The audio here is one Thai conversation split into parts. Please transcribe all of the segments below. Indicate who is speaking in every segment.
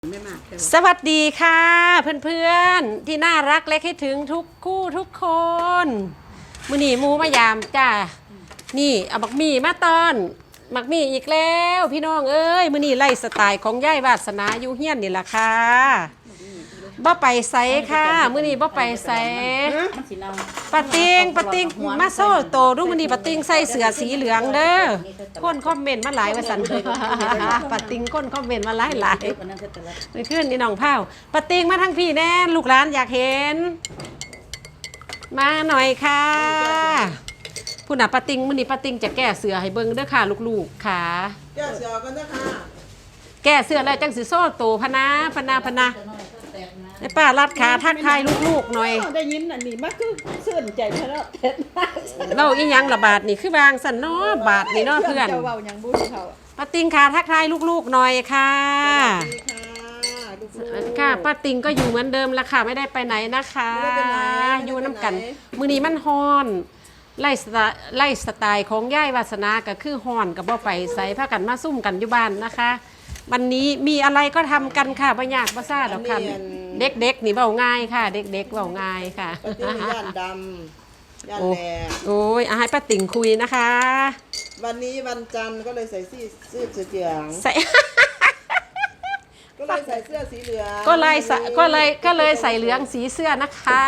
Speaker 1: สวัสดีค่ะเพื่อนๆที่น่ารักและคิดถึงทุกคู่ทุกคนมื้อนี้มูมายามจ้านี่เอาบักมี่มาตอนบักมี่อีกแล้วพี่น้องเอ้ยมื้อนี้ไล่สไตล์ของย่ายวาสนาอยู่เฮียนนี่ล่ะค่ะบ่ไปไสค่ะมื้อนี้บ่ไปไสปะติงมาโซ่โตดูมื้อนี้ปะติงใส่เสื้อสีเหลืองเด้อคนคอมเมนต์มาหลายว่าซั่นปะติงคนคอมเมนต์มาหลายนี่ขึ้นนี่น้องเผาปะติงมาทั้งพี่แน่ลูกหลานอยากเห็นมาหน่อยค่ะผู้น่ะปะติงมื้อนี้ปะติงจะแก้เสื้อให้เบิ่งเด้อค่ะลูกๆค่ะ
Speaker 2: แก้เสื้อกันเด้อค่ะ
Speaker 1: แก้เสื้อแล้วจังสิโซ่โตพนาไอ้ป้ารัดขาทักทายลูกๆหน่อย
Speaker 2: ได้ยินอันนี้มาคือซื่นใจเพราะ
Speaker 1: เราอีหยังระบาดนี่คือบางสันเนาะบาดนี่เนาะเพื่อน
Speaker 2: เจ้าเว้าหยังบ่เขา
Speaker 1: ป้าติงขาทักทายลูกๆหน่อยค่ะค่ะป้าติงก็อยู่เหมือนเดิมละค่ะไม่ได้ไปไหนนะคะอยู่น้ำกันมื้อนี้มันฮ้อนไล่สไตล์ของย่ายวาสนาก็คือฮ้อนกับบ่ไปใส่ผ้ากันมาซุ่มกันอยู่บ้านนะคะวันนี้มีอะไรก็ทำกันค่ะบ่ยากบ่ซ่าดอกค่ะเด็กๆนี่เว้าง่ายค่ะเด็กๆเว้าง่ายค่ะ
Speaker 2: ย่านดำย่านแดง
Speaker 1: โอ้ยให้ป้าติ่งคุยนะคะ
Speaker 2: วันนี้วันจันทร์ก็เลยใส่เสื้อเหลือง
Speaker 1: ใส่
Speaker 2: ก็เลยใส่เสื้อสีเหลือง
Speaker 1: ก็เลยใส่เหลืองสีเสื้อนะคะ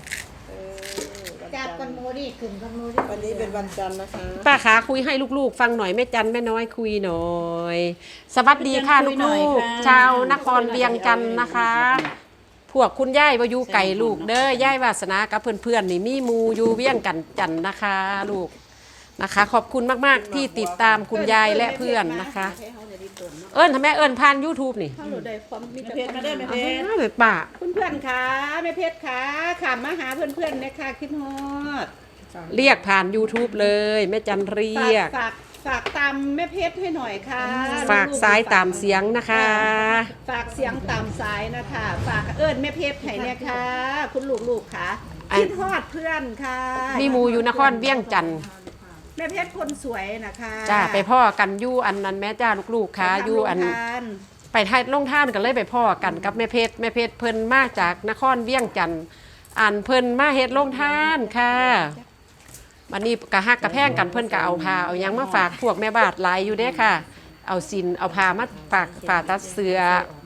Speaker 3: จับกันโมดิขึ้นกันโมดิ
Speaker 2: วันนี้เป็นวันจันทร์นะคะ
Speaker 1: ป้าขาคุยให้ลูกๆฟังหน่อยแม่จันแม่น้อยคุยหน่อยสวัสดีค่ะลูกๆชาวนครเวียงจันทร์นะคะพวกคุณย่ายวายุไก่ลูกเด้อย่ายวาสนากับเพื่อนๆนี่มีมูอยู่เวียงกันจันทร์นะคะลูกนะคะขอบคุณมากๆที่ติดตามคุณยายและเพื่อนนะคะทำไมผ่าน YouTube นี่
Speaker 2: เข้าได้ความมีเพชรมาได้แม่เพชร
Speaker 1: ป้า
Speaker 2: เพื่อนๆค่ะแม่เพชรค่ะขามมาหาเพื่อนๆนะคะคิดฮอด
Speaker 1: เรียกผ่าน YouTube เลยแม่จันเรียก
Speaker 2: ฝากตามแม่เพชรให้หน่อยค่ะ
Speaker 1: ฝากสายตามเสียงนะคะ
Speaker 2: ฝากเสียงตามสายนะคะฝากแม่เพชรให้เนี่ยค่ะคุณลูกๆค่ะคิดฮอดเพื่อนค่ะ
Speaker 1: มีมูอยู่นครเวียงจันทร์
Speaker 2: แม่เพชรคนสวยนะคะ
Speaker 1: จ้าไปพ่อกันยู่อันนั้นแม่จ้าลูกๆค่ะยู่อันไปไทยลงท่านกันเลยไปพ่อกันกับแม่เพชรเพิ่นมาจากนครเวียงจันทร์อันเพิ่นมาเฮ็ดลงท่านค่ะวันนี้กะฮักกะแพงกันเพิ่นกะเอาผ้าเอายังมาฝากพวกแม่บาทหลายอยู่เด้ค่ะเอาสินเอาผ้ามาฝากตัดเสื้อ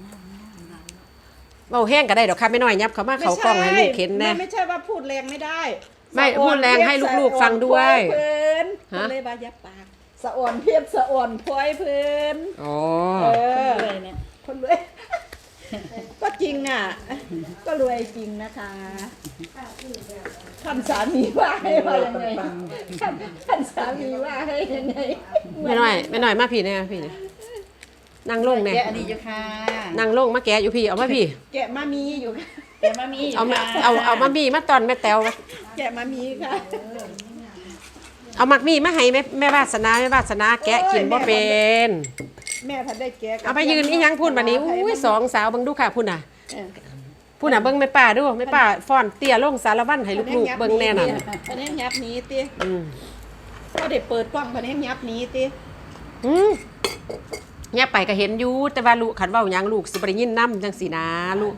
Speaker 1: เว้าแห้งก็ได้ดอกค่ะไม่น้อยยับเขามาเขากล้องให้ลูกเห็นแน่
Speaker 2: ไม่ใช่ว่าพูดแรงไม่ได้
Speaker 1: ไม่พูดแรงให้ลูกๆฟังด้วย
Speaker 2: ฮะเลยบายับปากสะอ่อนเพียบสะอ่อนพลอยเพิ่น
Speaker 1: อ๋อ
Speaker 2: คนรวยก็จริงอ่ะก็รวยจริงนะคะท่านสามีว่าให้ว่ายังไงท่านสามีว่าให้ยังไง
Speaker 1: ไม่น้อยมาพี่เนี่ยพี่นั่งลงเนี่ย
Speaker 3: อันนี้อยู่ค่ะ
Speaker 1: นั่งลงมาแกะอยู่พี่เอามาพี่
Speaker 2: แกะมามีอยู่
Speaker 3: แกะมามี
Speaker 1: เอามามีมาตอนแม่แต๋ว
Speaker 2: แกะมามีค่ะ
Speaker 1: เอามักมีมาให้แม่วาสนาแกะกินบ่เป็น
Speaker 2: แม่ทันได้แกะ
Speaker 1: เอาไปยืนอีหยังพูดบัดนี้อุ้ยสองสาวเบิ่งดูค่ะพูดน่ะเบิ่งแม่ป้าดูแม่ป้าฟ้อนเตี้ยลงสารวัตรให้ลูกๆเบิ่งแน่น่ะ
Speaker 2: อันนี้ยับหนีติก็ได้เปิดกล้องอันนี้ยับหนีติ
Speaker 1: เนี่ยไปก็เห็นอยู่แต่ว่าลูกขันเว้าหยังลูกสิบ่ได้ยินนำจังซี่นะลูก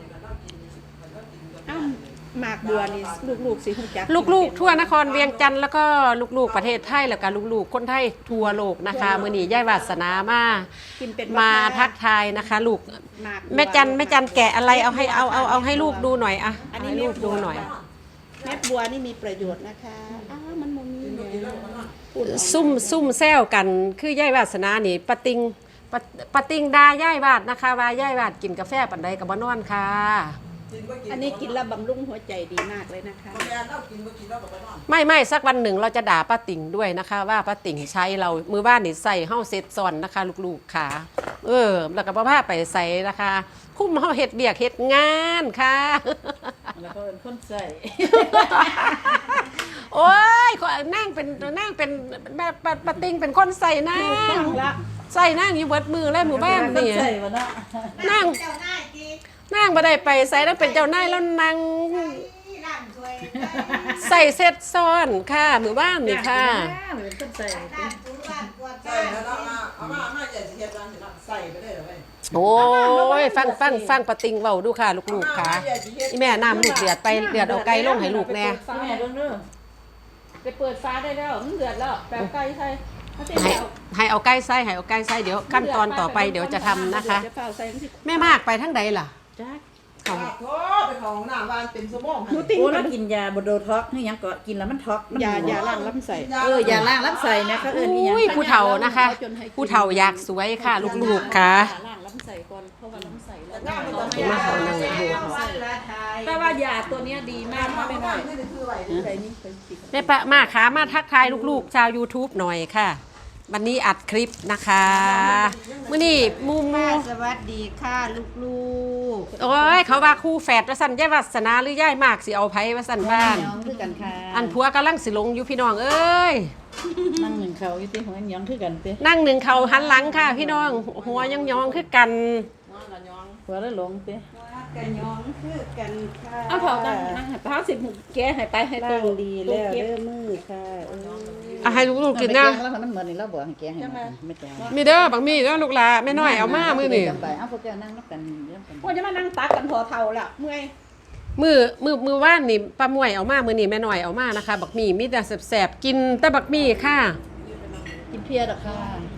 Speaker 2: หมากบัวนี่ลูกๆสิฮู้จัก
Speaker 1: ลูกๆทั่วนครเวียงจันทร์แล้วก็ลูกๆประเทศไทยแล้วก็ลูกๆคนไทยทั่วโลกนะคะมื้อนี้ย่ายวาสนามาทักทายนะคะลูกแม่จันแกะอะไรเอาให้ลูกดูหน่อยอ่ะให้ลูกดูหน่อย
Speaker 2: เม็ดบัวนี่มีประโยชน์นะคะมันบ่มี
Speaker 1: ซุ่มแซวกันคือย่ายวาสนานี่ปะติงดาย่ายวาดนะคะว่าย่ายวาดกินกาแฟปานใดก็บ่นอนค่ะ
Speaker 2: อันนี้กินแล้วบำรุงหัวใจดีมากเลยนะคะ
Speaker 1: ไม่สักวันหนึ่งเราจะด่าป้าติ่งด้วยนะคะว่าป้าติ่งใช้เรามือบ้านนี่ใส่เฮ้าเซ็ตซ้อนนะคะลูกๆค่ะแล้วก็พาไปใส่นะคะคุ้มเฮ้าเฮ็ดเบียกเฮ็ดงานค่ะ
Speaker 3: แล้วก็เป็นคนใส่
Speaker 1: โอ้ยนั่งเป็นป้าติ่งเป็นคนใส่นั่งใส่นั่งอยู่เบิดมือเลยหมู่บ้านนี่นั่งบ่ได้ไปใส่แล้วเป็นเจ้านายแล้วนั่งใส่เซ็ตซ้อนค่ะหมู่บ้านนี่ค่ะ
Speaker 3: ใส่
Speaker 2: แล้วเอามาใหญ่เทียบกันใส่ไปได้หรือไม่
Speaker 1: โอ้ยฟังปะติงเว้าดูค่ะลูกๆค่ะอีแม่น้ำลูกเดือดไปเดือดเอาไก่ลงให้ลูกแน่
Speaker 3: แม่เบิ่งเด้อ
Speaker 2: ไปเปิดฟ้าได้แล้วมันเดือดแล้วแปลไก่ใส่ถ้าเต้น
Speaker 1: ให้
Speaker 2: แล้ว
Speaker 1: ให้เอาไก่ใส่ให้เอาไก่ใส่เดี๋ยวขั้นตอนต่อไปเดี๋ยวจะทำนะคะ
Speaker 2: จะเฝ้าใส่มันสิ
Speaker 1: แม่มากไปทั้งใดล่ะ
Speaker 2: จ้า
Speaker 1: เอา
Speaker 4: โอ้ไปของหน้าบ้านเป็นสมอง
Speaker 2: หนูติ้ง
Speaker 3: โอ้
Speaker 2: มั
Speaker 3: แล้ว
Speaker 2: น
Speaker 3: กินยาบ่โดท็อกนี่ยังก็กินแล้วมันท็อกมัน
Speaker 2: ยาล้างลำไส้
Speaker 3: ยาล้างลำไส้นะเขาเอิ้นอีหยัง
Speaker 1: อุ้ยผู้เฒ่านะคะ ผู้เฒ่าอยากสวยค่ะลูกๆค่ะ
Speaker 2: ล้างลำไส้ก่อนเพราะว่าลำไส้เรา
Speaker 4: หน้ามันจะ
Speaker 1: เดี๋ยวมาเอาหนังให้ดู
Speaker 2: แต่ว่ายาตัวเนี้ยดีมากนะไม่น้อย
Speaker 4: คือไหว
Speaker 2: ใส่นี่เป็นติด
Speaker 1: แม่ปะมาขามาทักทายลูกๆ ชาว YouTube หน่อยค่ะ วันนี้อัดคลิปนะคะมื้อนี้มู
Speaker 3: สวัสดีค่ะลูก
Speaker 1: โอ้ยเขาว่าคู่แฝดว่าสั่นยายวาสนาหรือย่ายมากสิเอาไผว่าสั่นบ้าน
Speaker 3: น้องคือกันค่ะ
Speaker 1: อันผัวกำลังสิลงอยู่พี่น้องเอ้ย
Speaker 3: นั่งหนึ่งเขาอยู่ที่หัวหยังคือกันติ
Speaker 1: นั่งหนึ่งเขาหันหลังค่ะ พี่น้อง หัวยังยองคือกัน
Speaker 3: หัวแล้วหลงติ
Speaker 4: กันยองคือกันค่ะ
Speaker 2: เอาเผาตั้งนั่งให้เผาสิแกให้ไปให้
Speaker 4: ตั้
Speaker 2: ตู้
Speaker 4: งดีแล้ว
Speaker 2: เก็บ
Speaker 4: เด้อมือค่ะ
Speaker 1: เอาให้ลูกๆกินนะ
Speaker 3: แล้วมันเหมือนนี่เราบอกให้แกให้ไม่แก
Speaker 1: มีเด้อบางมีเด้อลูกหลาแม่น้อยเอามามื้อนี้
Speaker 3: ไปเอาพวกแกนั่งนับกันเรื่องกัน
Speaker 2: ว่าจะมานั่งตักกันพอเท่าแล้วเมื่อย
Speaker 1: มือว่านนี่ป้ามวยเอามามื้อนี้แม่น้อยเอามานะคะบักมีมีแต่แสบๆกินแต่บักมีค่ะ
Speaker 3: กินเพียดอกค่ะ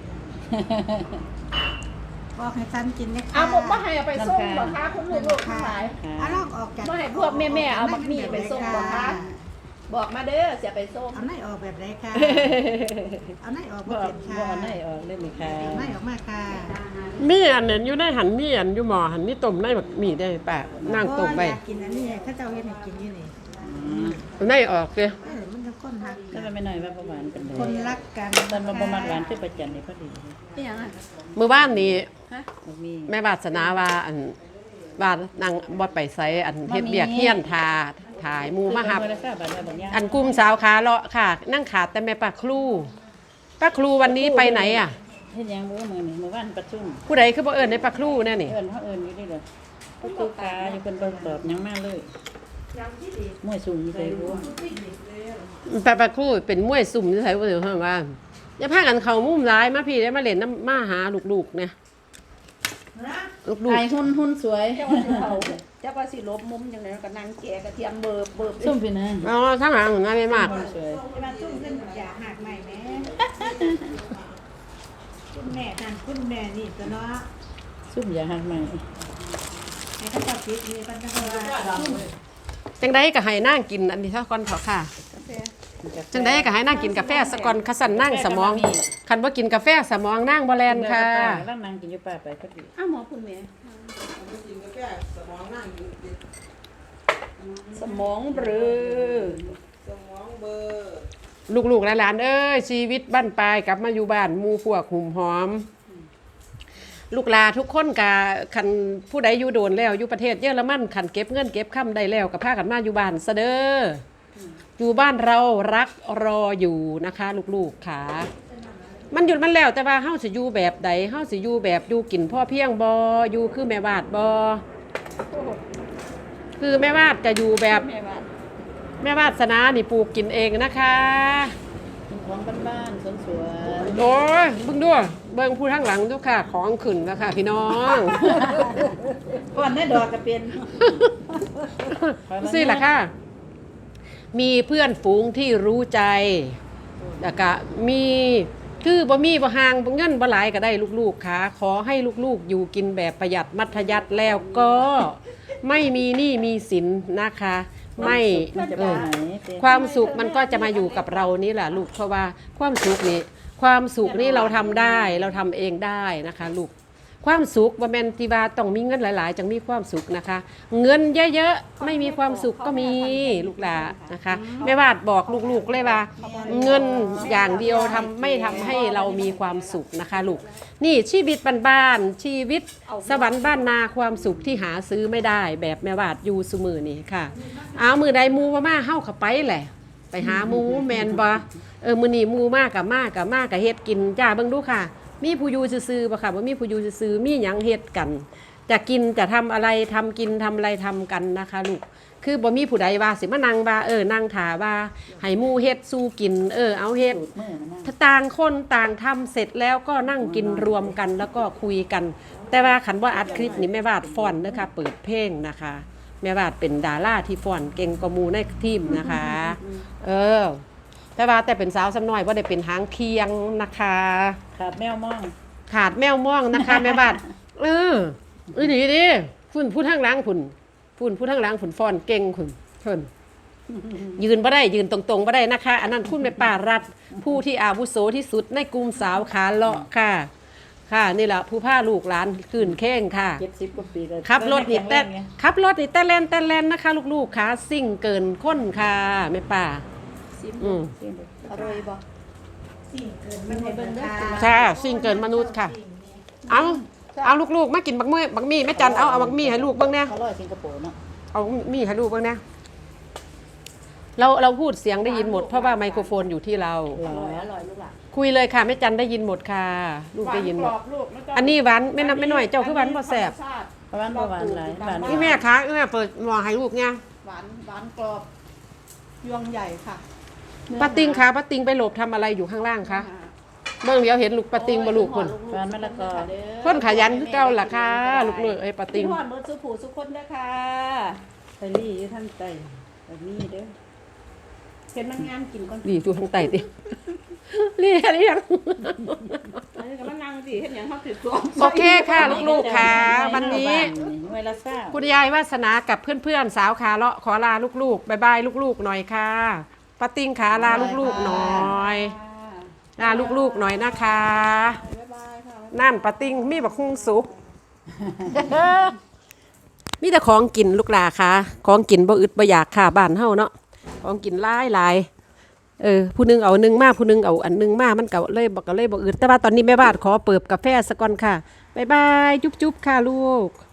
Speaker 4: บอกให้ท่านกินนะ
Speaker 2: เอาผมว่าให้เอาไปส่งเหรอคะคุณลูกๆทั้งหลาย
Speaker 4: เอาลอกออกจาก
Speaker 2: ว่าให้พวกแม่ๆเอาบักหมี่ไปส่งเหรอคะบอกมาเด้อเสียไปส่ง
Speaker 4: เอาไหนออกแบบไรค่ะเอาไหนออก
Speaker 3: บ่
Speaker 4: มาเป็นค่ะ
Speaker 3: บ่ได้ออกเลยนี่ค่ะ
Speaker 4: เอาไหนออกมาค่ะ
Speaker 1: มีอันนั้นอยู่ในหันมีอันอยู่หม้อหันมีต้มในบักมีได้ป่ะนั่งต้มไว้
Speaker 4: อยากกินอันนี้ถ้าเจ้าเฮ็ดให้กินอยู่นี่
Speaker 1: ในออกเด้อ
Speaker 4: มันจะคนหัก
Speaker 3: แล้วมันไม่น้อยว่าประมาณเป็นเลย
Speaker 4: คนรักกัน
Speaker 3: ตอนมาประมาณหวานคือประจันนี่พอดี
Speaker 2: นี่ยังอ่ะ
Speaker 1: มื้อว่านนี่
Speaker 3: บ่มี
Speaker 1: แม่วาสนาว่าอันว่านางบ่ไปไสอันเฮ็ดเบียกเฮียนทาถ่ายหมู่มาหับ อันกลุ่มสาวขาเลาะค่ะ นั่งขาดแต่แม่ป้าครูป้าครูวันนี้ไปไหนอ่ะ
Speaker 3: เฮ็ดหยังมื้อนี่มื้อวานประชุม
Speaker 1: ผู้ใดคือบ่เอิ้นในป้าครูแน่นี่
Speaker 3: เอิ้นเฮาเอิ้นอยู่นี่เด้อก็คือกาอยู่เพิ่นบ่ตอบหยังมาเลยมวยสูงอยู่ไสบ่
Speaker 1: ป้าครูเป็นมวยสุ่มที่ไสบ่เดี๋ยวเพิ่นว่าอย่าพากันเข้ามุมร้ายมาพี่ได้มาเล่นน้ำมาหาลูกๆเนี่ยลูก
Speaker 3: ไอ้หุ่นสวย
Speaker 2: เจ้าว่าสิเผาเจ้าว่าสิลบมุมจังไดก็นั่งแกะกระเทียมเบิบ
Speaker 3: ส้มพี่นะ
Speaker 1: ๆอ๋อทางหลังหนูไม่มาก
Speaker 3: หุ่นสวย
Speaker 4: มาตุ้มขึ้นอย่าหักใหม่แม่คุณแม่นั่นคุณแม่นี่ตัวเนาะ
Speaker 3: ซุ่มอย่าหักใหม่
Speaker 4: ให้เขาจับพิษนี่กันนะคะว่า
Speaker 1: จังไดก็ให้นั่งกินอันนี้เท่าก่อนเถอะค่ะ จังไดก็ให้นั่งกินกาแฟสะก่อนคัสันนั่งสมองคันว่ากินกาแฟสมองนั่งบ่แลนค่ะ
Speaker 3: แล้วนางกินอยู่ป่าไปพอดี
Speaker 2: อ้าวหมอคุณแม่สมองเบลอ
Speaker 1: ลูกๆหลานๆเอ้ยชีวิตบ้านปลายกลับมาอยู่บ้านหมู่พวกหุ่มหอม ลูกหลาทุกคนกะคันผู้ใดอยู่โดนแล้วอยู่ประเทศเยอรมันคันเก็บเงินเก็บค่ำได้แล้วก็พากันมาอยู่บ้านซะเด้ออยู่บ้านเรารักรออยู่นะคะลูกๆค่ะมันหยุดมันแล้วแต่ว่าเฮาสิอยู่แบบใดเฮาสิอยู่แบบอยู่กินพ่อเพียงบ่อยู่คือแม่วาดบ่คือแม่วาดจะอยู่แบบ
Speaker 2: แม่ว่า
Speaker 1: แม่วาสนานี่ปลูกกินเองนะคะ
Speaker 3: ของบ้านๆสวน
Speaker 1: โอ้ยเบิ่งด้วยเบิ่งผู้ทั้งหลังทุกค่ะของขึ้นแล้วค่ะพี่น้อง
Speaker 3: ๆก่อนได้ดอกก็เป็น
Speaker 1: สิล่ะค่ะ มีเพื่อนฝูงที่รู้ใจแล้วก็มีคือบ่มีบ่ห่างบ่เงินบ่หลายก็ได้ลูกๆค่ะขอให้ลูกๆอยู่กินแบบประหยัดมัธยัสถ์แล้วก็ไม่มีหนี้มีสินนะคะ ไม่ความสุขมันก็จะมาอยู่กับเรานี่แหละลูกเพราะว่าความสุขนี้เราทำได้เราทำเองได้นะคะลูกความสุขว่าแมนติว่าต้องมีเงินหลายๆจังมีความสุขนะคะ เงินเยอะๆไม่มีความสุขก็มีลูกหลานนะคะแม่วาดบอกลูกๆเลยว่า เงินอย่างเดียวไม่ทำให้เรามีความสุขนะคะลูกนี่ชีวิตบ้านๆชีวิตสวรรค์บ้านนาความสุขที่หาซื้อไม่ได้แบบแม่วาดอยู่ซุมือนี่ค่ะเอามือใดมูมาเฮาเข้าไปแหละไปหาหมูแมนบ่มื้อนี้หมูมากกับเฮ็ดกินจ้าเบิ่งดูค่ะมีผู้อยู่ซื่อๆบ่ค่ะบ่มีผู้อยู่ซื่อๆมีหยังเฮ็ดกันจะกินจะทำอะไรทำกินทำอะไรทำกันนะคะลูกคือบ่มีผู้ใดว่าสิมานั่งว่านั่งถาว่าให้หมู่เฮ็ดสู้กินเอาเฮ็ด
Speaker 3: สูตรมือมันนะ
Speaker 1: ถ้าต่างคนต่างทำเสร็จแล้วก็นั่งกินรวมกันแล้วก็คุยกัน แต่ว่าขันว่าอัดคลิปนี่แม่วาดฟ้อนนะคะเปิดเพลงนะคะแม่วาดเป็นดาราที่ฟ้อนเก่งกว่าหมู่ในทีมนะคะ แต่ว่าแต่เป็นสาวสำน้อยว่าได้เป็นหางเคียงนะคะ
Speaker 3: ขาดแมวมอง
Speaker 1: ขาดแมวม่องนะคะ แม่วาดดีดิคุณพูดข้างหล้างคุณพูดข้างหล้างคุณฟ้อนเก่งคุณเพิ่นยืนบ่ได้ยืนตรงๆบ่ได้นะคะ อันนั้นคุณแม่ป้ารัฐผู้ที่อาวุโสที่สุดในกลุ่มสาวขาเลาะค่ะ ค่ะนี่แหละผู้พาลูกหลานคืนเข่งค่ะ
Speaker 3: 70 กว่าปีแล้ว
Speaker 1: ขับรถนี่แต่
Speaker 3: ไง
Speaker 1: ขับรถนี่แต่แล่นนะคะ ลูกๆค่ะซิ่งเกินค้นค่ะแม่ป้า
Speaker 2: ซิม
Speaker 1: อืม
Speaker 3: เสียงเด็ก
Speaker 2: อร่อยบ่
Speaker 4: สิ่งเกินมันให้เบิ่งเด้อ
Speaker 1: ค่ะซิ่งเกินมนุษย์ค่ะ เอาลูกๆมากินบักมี่แม่จันเอาบักมี่ให้ลูกเบิ่งแน่
Speaker 3: เขาลอยสิงคโปร์เนาะ
Speaker 1: เอามี่ให้ลูกเบิ่งแน่เราพูดเสียงได้ยินหมดเพราะว่าไมโครโฟนอยู่ที่เรา
Speaker 2: อร่อยลูกหล่ะ
Speaker 1: คุยเลยค่ะแม่จันได้ยินหมดค่ะ ลูกได้ยินหมด อันนี้หวานไม่น้อยเจ้าคือหวานบ่แซ่บ
Speaker 3: ประมาณบ่หวานหลายหวาน
Speaker 1: นี่แม่คะแม่เปิดหม้อให้ลูกไง
Speaker 2: หวานกรอบยวงใหญ่ค่ะ
Speaker 1: ป้าติงคะป้าติงไปหลบทำอะไรอยู่ข้างล่างคะเบิ่งเดี๋ยวเห็นลูกป้าติงบ่ลูกคน
Speaker 3: หวานมะละกอ
Speaker 1: คนขยันคือเก่าล่ะค่ะลูกๆป้าติง
Speaker 2: พี่หอดมือสุผูสุคนเด้อค่ะ
Speaker 3: ไปรี่อยู่ทางใต้แบบนี้เด้อ
Speaker 2: เห็นมันงามกินก่อน
Speaker 1: ดีอยู่ข้างใต้ติเรียนยัง
Speaker 2: อันนี้ก็มันนั่งสิเห็นอย่างเขาถือตัว
Speaker 1: โอเคค่ะลูกๆค่ะวันนี้
Speaker 3: หน่วยละซ่า
Speaker 1: คุณยายวาสนากับเพื่อนๆสาวขาเลาะขอลาลูกๆบายบายลูกๆหน่อยค่ะป้าติงขาลาลูกๆหน่อยลาลูกๆหน่อยนะคะ
Speaker 2: บ๊ายบายค่ะ
Speaker 1: นั่นป้าติงมีบักฮุ่งสุก มีแต่ของกินลูกหลาค่ะของกินบ่อึดบ่อยากค่ะบ้านเฮาเนาะของกินหลายผู้หนึงเอาอันนึงมาผู้หนึงเอาอันนึงมามันก็เลยบ่อึดแต่ว่าตอนนี้แม่บ้านขอเปิบกาแฟซะก่อนค่ะบ๊ายบายจุ๊บๆค่ะลูก